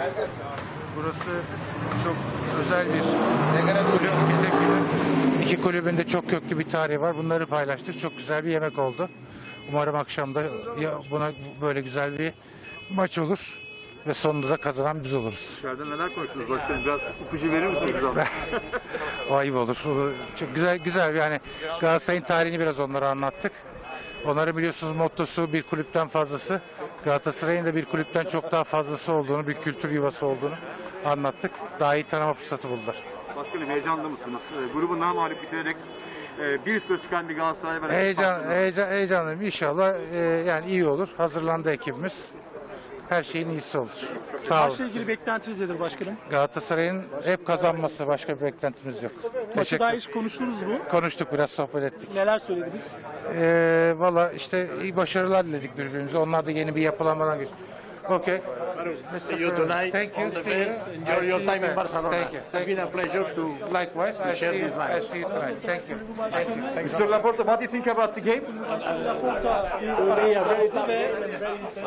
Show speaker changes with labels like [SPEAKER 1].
[SPEAKER 1] Burası çok özel bir kulüp. Bize iki kulübün de çok köklü bir tarihi var. Bunları paylaştık. Çok güzel bir yemek oldu. Umarım akşamda buna böyle güzel bir maç olur ve sonunda da kazanan biz oluruz.
[SPEAKER 2] İçeride neler konuştunuz başkanım? Biraz ipucu verir misiniz bize?
[SPEAKER 1] O ayıp olur. Çok güzel yani Galatasaray'ın tarihini biraz onlara anlattık. Onların biliyorsunuz mottosu bir kulüpten fazlası. Galatasaray'ın da bir kulüpten çok daha fazlası olduğunu, bir kültür yuvası olduğunu anlattık. Daha iyi tanıma fırsatı buldular.
[SPEAKER 2] Başkanım heyecanlı mısınız? Grubu namağlup bitirerek bir üst tura çıkan bir Galatasaray var.
[SPEAKER 1] Heyecanlıyım. İnşallah yani iyi olur. Hazırlandı ekibimiz. Her şeyin iyisi olur. Sağ olun.
[SPEAKER 3] Maçla ilgili beklentiniz nedir başkanım?
[SPEAKER 1] Galatasaray'ın hep kazanması, başka bir beklentimiz yok.
[SPEAKER 3] Maçı daha hiç konuştunuz mu?
[SPEAKER 1] Konuştuk, biraz sohbet ettik.
[SPEAKER 3] Neler söylediniz?
[SPEAKER 1] Valla işte iyi başarılar diledik birbirimize. Onlar da yeni bir yapılanmadan geçti. Okay.
[SPEAKER 4] See you tonight.
[SPEAKER 1] Thank you.
[SPEAKER 4] All the
[SPEAKER 1] See you.
[SPEAKER 4] best. Enjoy your time in Barcelona.
[SPEAKER 1] Thank you.
[SPEAKER 4] It's been a pleasure to
[SPEAKER 1] Likewise. I
[SPEAKER 4] share
[SPEAKER 1] see you.
[SPEAKER 4] this night.
[SPEAKER 1] I see you tonight. Thank you. Thank you.
[SPEAKER 2] Mr. Laporta, what do you think about the game?